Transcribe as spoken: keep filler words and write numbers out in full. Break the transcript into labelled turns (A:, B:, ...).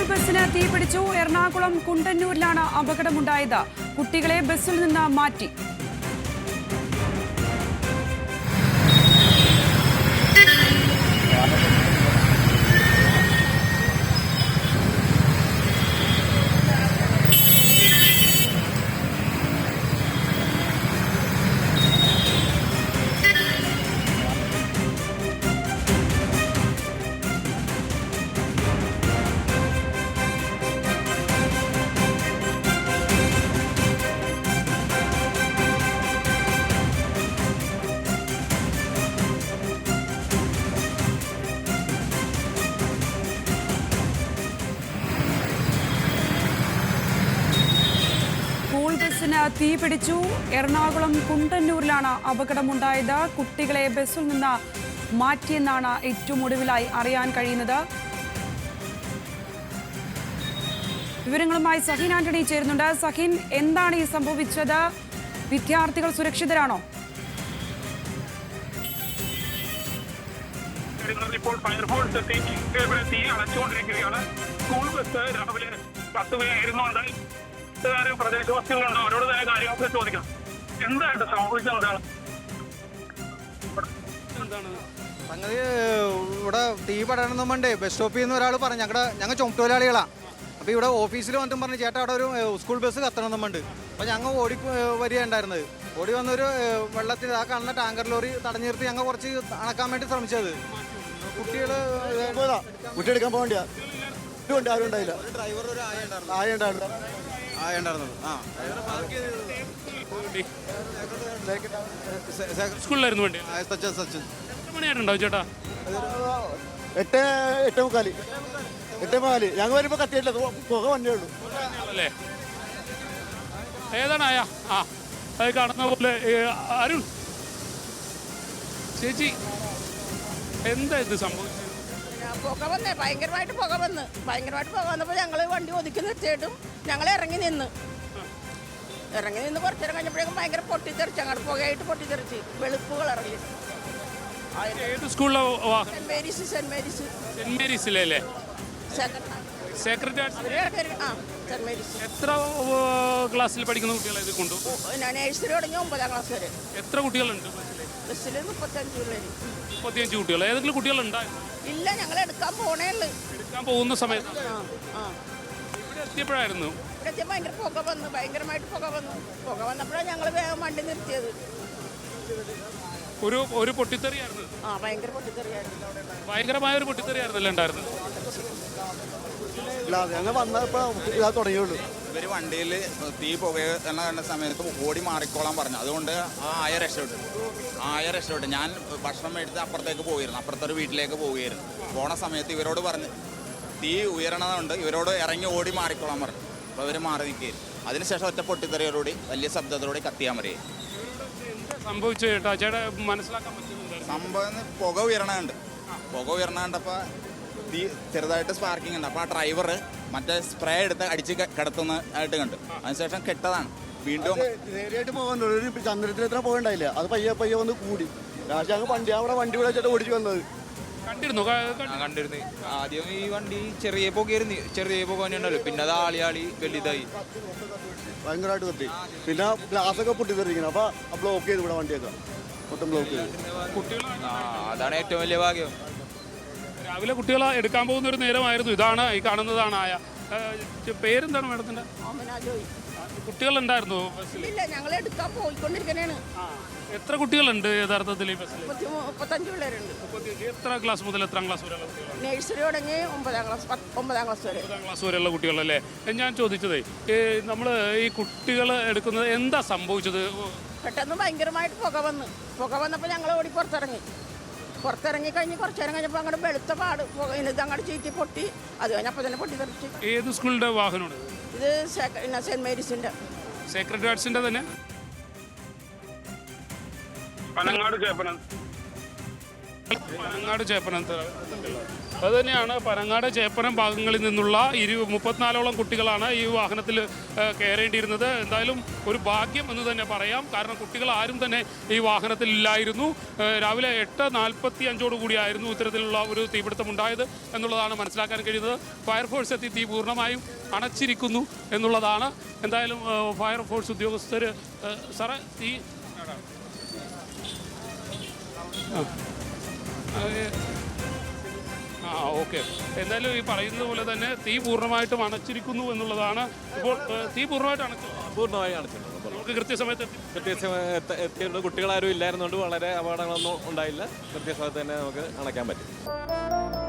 A: School ബസ്സിന് തീപിടിച്ചു. എറണാകുളം കുണ്ടന്നൂരിലാണ് അപകടമുണ്ടായത്. കുട്ടികളെ ബസ്സിൽ നിന്ന് മാറ്റി. സ്കൂൾ ബസ്സിന് തീപിടിച്ചു. എറണാകുളം കുണ്ടന്നൂരിലാണ് അപകടമുണ്ടായത്. കുട്ടികളെ ബസ്സിൽ നിന്ന് മാറ്റിയെന്നാണ് ഏറ്റവും ഒടുവിലായി അറിയാൻ കഴിയുന്നത്. വിവരങ്ങളുമായി സഹീൻ ആന്റണി ചേരുന്നുണ്ട്. സഹീൻ, എന്താണ് ഈ സംഭവിച്ചത്? വിദ്യാർത്ഥികൾ സുരക്ഷിതരാണോ?
B: ഇപ്പോൾ ഫയർഫോഴ്സ് എത്തി തീ അടച്ചുകൊണ്ടിരിക്കുകയാണ്. സ്കൂൾ ബസ് രാവിലെ പത്ത് പേരുന്നുണ്ട്. പ്രദേശവാസികളുണ്ടോ? അവരോട് തന്നെ കാര്യങ്ങളൊക്കെ ചോദിക്കാം. എന്തായിട്ട് സംഭവിച്ചത്? എന്താണ്
C: എന്താണ് സംഗതി? ഇവിടെ തീ പടരണം വേണ്ടേ ബസ് സ്റ്റോപ്പിൽ നിന്ന് ഒരാൾ പറഞ്ഞു. ഞങ്ങളുടെ ഞങ്ങൾ ചുമട്ടുതൊഴിലാളികളാണ്. അപ്പോൾ ഇവിടെ ഓഫീസിൽ വന്നിട്ടും പറഞ്ഞു, ചേട്ടാ അവിടെ ഒരു സ്കൂൾ ബസ് കത്തണമെന്നുണ്ട്. അപ്പോൾ ഞങ്ങൾ ഓടി വരികയുണ്ടായിരുന്നത്. ഓടി വന്നൊരു വെള്ളത്തിൽ ആ കാണുന്ന ടാങ്കർ ലോറി തടഞ്ഞു നിർത്തി ഞങ്ങൾ കുറച്ച് അണക്കാൻ വേണ്ടി ശ്രമിച്ചത്. കുട്ടികൾ
D: കുട്ടിയെടുക്കാൻ പോകണ്ട ആരും ഉണ്ടായില്ല.
C: ഡ്രൈവർ ഒരു ആയ
D: ആയ ഉണ്ടായിരുന്നു
C: ആയ ഉണ്ടായിരുന്നത്. ആ
E: സ്കൂളിലായിരുന്നു വേണ്ടി.
C: സച്ചിൻ സച്ചിൻ
E: എത്ര മണിയായിട്ടുണ്ടാവും ചേട്ടാ?
D: എട്ട് എട്ടേ മുക്കാല് എട്ടേ മുക്കാല് ഞങ്ങൾ വരുമ്പോൾ കത്തിയില്ല, പുക വന്നേ ഉള്ളൂ.
E: അല്ലേ? ഏതാണ് ആയ? ആ അത് കാണുന്ന പോലെ. അരുൺ ചേച്ചി, എന്താ ഇത് സംഭവിച്ചത്?
F: പുക വന്നേ, ഭയങ്കരമായിട്ട് പുക വന്ന് ഭയങ്കരമായിട്ട് പുക വന്നപ്പോൾ ഞങ്ങൾ വണ്ടി ഒതുക്കി നിർത്തിയിട്ടും ഞങ്ങൾ ഇറങ്ങി നിന്ന് ഇറങ്ങി നിന്ന് കുറച്ചേരം കഴിഞ്ഞപ്പോഴേക്കും ഭയങ്കര പൊട്ടിത്തെറിച്ച്, അങ്ങോട്ട് പുകയായിട്ട് പൊട്ടിത്തെറിച്ച് വെളുപ്പുകൾ ഇറങ്ങി.
E: ഏത് സ്കൂളിലെ
F: saint Mary's saint Mary's
E: saint മേരീസിലെ അല്ലേ? സെക്രട്ടറി.
F: ആ സെന്റ് മേരീസ്.
E: എത്ര ക്ലാസ്സിൽ പഠിക്കുന്ന കുട്ടികളെ ഇത് കൊണ്ടു?
F: നഴ്സറി തുടങ്ങി ഒമ്പതാം ക്ലാസ് വരെ.
E: എത്ര കുട്ടികളുണ്ട്
F: ബസ്സിൽ? മുപ്പത്തഞ്ച് പിള്ളേര്.
E: മുപ്പത്തിയഞ്ച് കുട്ടികൾ. ഏതെങ്കിലും കുട്ടികളുണ്ടായിരുന്നു?
F: ഇല്ല, ഞങ്ങൾ എടുക്കാൻ പോണേ ഉള്ളു.
E: എടുക്കാൻ പോകുന്ന സമയത്ത്
F: ആ ആ
E: ഇവിടെ എത്തിയപ്പോഴായിരുന്നു
F: ഇവിടെ എത്തിയ ഭയങ്കര പുക വന്നു, ഭയങ്കരമായിട്ട് പുക വന്നു. പുക വന്നപ്പോഴാണ് ഞങ്ങൾ വേഗം വണ്ടി നിർത്തിയത്.
E: ഒരു ഒരു പൊട്ടിത്തെറിയായിരുന്നു.
F: ആ ഭയങ്കര പൊട്ടിത്തെറിയായിരുന്നു.
E: ഭയങ്കരമായ ഒരു പൊട്ടിത്തെറിയായിരുന്നല്ലേ ഉണ്ടായിരുന്നു?
D: ഞങ്ങൾ വന്നപ്പോൾ ഇതാ തുടങ്ങിയുള്ളൂ.
G: ഇവർ വണ്ടിയിൽ തീ പുകയെന്ന കണ്ട സമയത്ത് ഓടി മാറിക്കോളാൻ പറഞ്ഞു. അതുകൊണ്ട് ആ ആയ രക്ഷപ്പെട്ടു ആ ആയ രക്ഷപ്പെട്ടു ഞാൻ ഭക്ഷണം മേടിച്ച് അപ്പുറത്തേക്ക് പോയിരുന്നു. അപ്പുറത്തെ ഒരു വീട്ടിലേക്ക് പോവുകയായിരുന്നു. പോണ സമയത്ത് ഇവരോട് പറഞ്ഞ് തീ ഉയരണതുകൊണ്ട് ഇവരോട് ഇറങ്ങി ഓടി മാറിക്കോളാൻ പറഞ്ഞു. അപ്പോൾ അവർ മാറി നിൽക്കുകയായിരുന്നു. അതിനുശേഷം ഒറ്റ പൊട്ടിത്തെറിയോടുകൂടി വലിയ ശബ്ദത്തോടെ കത്തിയാൻ മറിയേ
E: സംഭവിച്ചു. ചേട്ടാ ചേട്ടാ മനസ്സിലാക്കാൻ പറ്റുന്നുണ്ട്?
G: സംഭവം പുക ഉയരണുണ്ട്. പുക ഉയരണ കണ്ടപ്പോൾ തീ ചെറുതായിട്ട് സ്പാർക്കിംഗ് ഉണ്ട്. അപ്പോൾ ആ ഡ്രൈവർ മറ്റേ സ്പ്രേ എടുത്ത് അടിച്ച് കിടത്തുന്നതായിട്ട് കണ്ടു. അതിനുശേഷം കെട്ടതാണ്. വീണ്ടും
D: നേരിയായിട്ട് പോകാൻ ഒരു ചന്ദ്രത്തിൽ എത്ര പോകണ്ടായില്ല. അത് പയ്യെ പയ്യെ വന്ന് കൂടി. ലാസ്റ്റ് ഞങ്ങൾ വണ്ടി അവിടെ വണ്ടി വിളിച്ചിട്ട് ഓടിച്ചു വന്നത്
E: കണ്ടിരുന്നു.
H: കണ്ടിരുന്നു. ആദ്യം ഈ വണ്ടി ചെറിയ പുകയായിരുന്നു, ചെറിയ പുക ഉണ്ടല്ലോ. പിന്നെ അത് ആളി ആളി വലുതായി
D: ഭയങ്കരമായിട്ട് കത്തി. പിന്നെ ഗ്ലാസ് ഒക്കെ പൊട്ടിത്തെറിക്കണം. അപ്പോൾ ബ്ലോക്ക് ചെയ്ത് ഇവിടെ വണ്ടിയൊക്കെ മൊത്തം ബ്ലോക്ക് ചെയ്തു.
H: ആ അതാണ് ഏറ്റവും വലിയ ഭാഗ്യം.
E: രാവിലെ കുട്ടികളെ എടുക്കാൻ പോകുന്ന ഒരു നേരമായിരുന്നു. ഇതാണ് ഈ കാണുന്നതാണ് ആയ. പേരെന്താണ് മാഡത്തിന്റെ? കുട്ടികളുണ്ടായിരുന്നു ബസ്സിൽ?
F: ഇല്ല, ഞങ്ങൾ എടുക്കാൻ പോയിക്കൊണ്ടിരിക്കണേണ്.
E: എത്ര കുട്ടികളുണ്ട് യഥാർത്ഥത്തിൽ ഈ ബസ്സിൽ?
F: മുപ്പത്തഞ്ച് പിള്ളേരുണ്ട്.
E: എത്ര ക്ലാസ് മുതൽ എത്രാം ക്ലാസ് വരെയുള്ള കുട്ടികൾ?
F: നഴ്സറി തുടങ്ങി ഒമ്പതാം ക്ലാസ് ഒമ്പതാം ക്ലാസ് വരെ.
E: ഒമ്പതാം ക്ലാസ് വരെയുള്ള കുട്ടികളല്ലേ? ഞാൻ ചോദിച്ചതേ, നമ്മൾ ഈ കുട്ടികൾ എടുക്കുന്നത് എന്താ സംഭവിച്ചത്?
F: പെട്ടെന്ന് ഭയങ്കരമായിട്ട് പുക വന്ന് പുക വന്നപ്പോൾ ഞങ്ങൾ ഓടി പുറത്തിറങ്ങി പുറത്തിറങ്ങി കഴിഞ്ഞ് കുറച്ചു നേരം കഴിഞ്ഞപ്പോൾ അങ്ങോട്ട് വെളുത്ത പാട് പുക ഇത് അങ്ങോട്ട് ചീറ്റി പൊട്ടി. അത് കഴിഞ്ഞപ്പോൾ തന്നെ പൊട്ടി തെറിച്ച്.
E: ഏത് സ്കൂളിന്റെ വാഹനമാണ്
F: ഇത്? സെന്റ് മേരീസിന്റെ.
E: സെക്രട്ടറി ആർട്സിന്റെ തന്നെ?
B: പനങ്ങാട് ചേപ്പനം
E: പനങ്ങാട് ചേപ്പനത്ത് അതുതന്നെയാണ് പനങ്ങാട് ചേപ്പനം ഭാഗങ്ങളിൽ നിന്നുള്ള ഇരു മുപ്പത്തിനാലോളം കുട്ടികളാണ് ഈ വാഹനത്തിൽ കയറേണ്ടിയിരുന്നത്. എന്തായാലും ഒരു ഭാഗ്യം എന്ന് തന്നെ പറയാം. കാരണം കുട്ടികൾ ആരും തന്നെ ഈ വാഹനത്തിൽ ഇല്ലായിരുന്നു. രാവിലെ എട്ട് നാൽപ്പത്തി അഞ്ചോടു കൂടിയായിരുന്നു ഇത്തരത്തിലുള്ള ഒരു തീപിടുത്തം ഉണ്ടായത് എന്നുള്ളതാണ് മനസ്സിലാക്കാൻ കഴിയുന്നത്. ഫയർഫോഴ്സ് എത്തി തീ പൂർണ്ണമായും അണച്ചിരിക്കുന്നു എന്നുള്ളതാണ്. എന്തായാലും ഫയർഫോഴ്സ് ഉദ്യോഗസ്ഥർ സാറേ തീ ആ ഓക്കെ എന്തായാലും ഈ പറയുന്നത് പോലെ തന്നെ തീ പൂർണ്ണമായിട്ടും അണച്ചിരിക്കുന്നു എന്നുള്ളതാണ്. ഇപ്പോൾ തീ പൂർണ്ണമായിട്ട് അണച്ചു
I: പൂർണ്ണമായി അണച്ചിട്ടുണ്ട്.
E: നമുക്ക് കൃത്യസമയത്ത് എത്തി
I: കൃത്യസമയത്ത് എത്തിയുണ്ട്. കുട്ടികളാരും ഇല്ലായിരുന്നുകൊണ്ട് വളരെ അപകടങ്ങളൊന്നും ഉണ്ടായില്ല. കൃത്യസമയത്ത് തന്നെ നമുക്ക് അണയ്ക്കാൻ പറ്റും.